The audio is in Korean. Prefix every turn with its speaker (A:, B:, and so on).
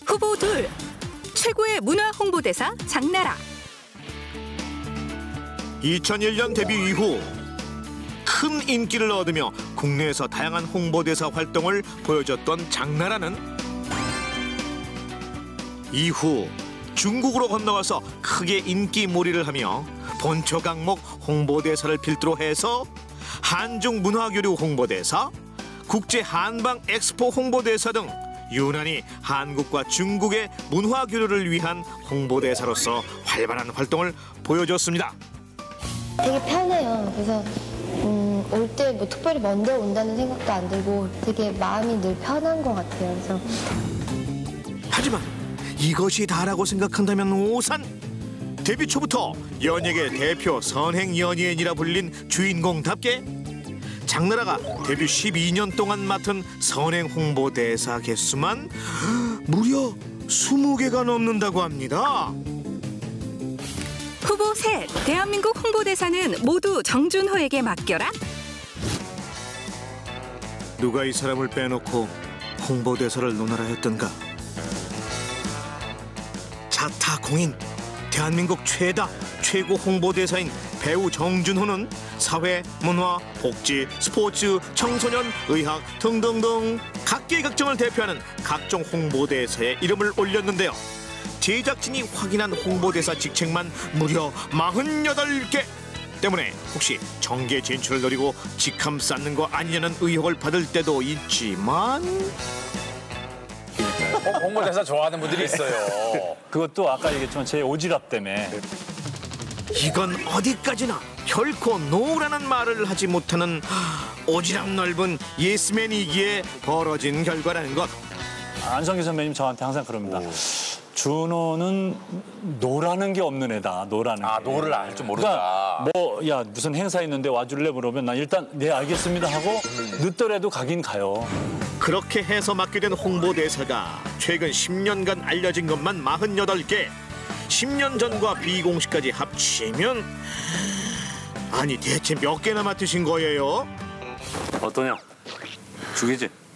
A: 후보 둘, 최고의 문화 홍보대사 장나라.
B: 2001년 데뷔 이후 큰 인기를 얻으며 국내에서 다양한 홍보대사 활동을 보여줬던 장나라는 이후 중국으로 건너가서 크게 인기몰이를 하며 본초 강목 홍보대사를 필두로 해서 한중 문화교류 홍보대사, 국제 한방 엑스포 홍보대사 등 유난히 한국과 중국의 문화교류를 위한 홍보대사로서 활발한 활동을 보여줬습니다.
C: 되게 편해요. 그래서 올 때 뭐 특별히 먼저 온다는 생각도 안 들고 되게 마음이 늘 편한 것 같아요. 그래서
B: 하지만 이것이 다라고 생각한다면 오산. 데뷔 초부터 연예계 대표 선행 연예인이라 불린 주인공답게 장나라가 데뷔 12년 동안 맡은 선행 홍보대사 개수만 무려 20개가 넘는다고 합니다.
A: 후보 셋, 대한민국 홍보대사는 모두 정준호에게 맡겨라.
B: 누가 이 사람을 빼놓고 홍보대사를 논하라 했던가. 자타공인 대한민국 최고 홍보대사인 배우 정준호는 사회, 문화, 복지, 스포츠, 청소년, 의학 등등등 각계각종을 대표하는 각종 홍보대사에 이름을 올렸는데요. 제작진이 확인한 홍보대사 직책만 무려 48개 때문에 혹시 정계 진출을 노리고 직함 쌓는 거 아니냐는 의혹을 받을 때도 있지만
D: 홍보대사 좋아하는 분들이 있어요.
E: 그것도 아까 얘기했지만 제 오지랖 때문에.
B: 이건 어디까지나 결코 노라는 말을 하지 못하는 오지랖 넓은 예스맨이기에 벌어진 결과라는 것.
E: 안성기 선배님 저한테 항상 그럽니다. 준호는 노라는 게 없는 애다. 노라는 게.
D: 노를 알 줄 모른다.
E: 그러니까 야 무슨 행사 있는데 와줄래 물으면 난 일단 네 알겠습니다 하고 늦더라도 가긴 가요.
B: 그렇게 해서 맡게 된 홍보대사가 최근 10년간 알려진 것만 48개. 10년 전과 비공식까지 합치면 아니 대체 몇 개나 맡으신 거예요?
F: 어떠냐? 죽이지?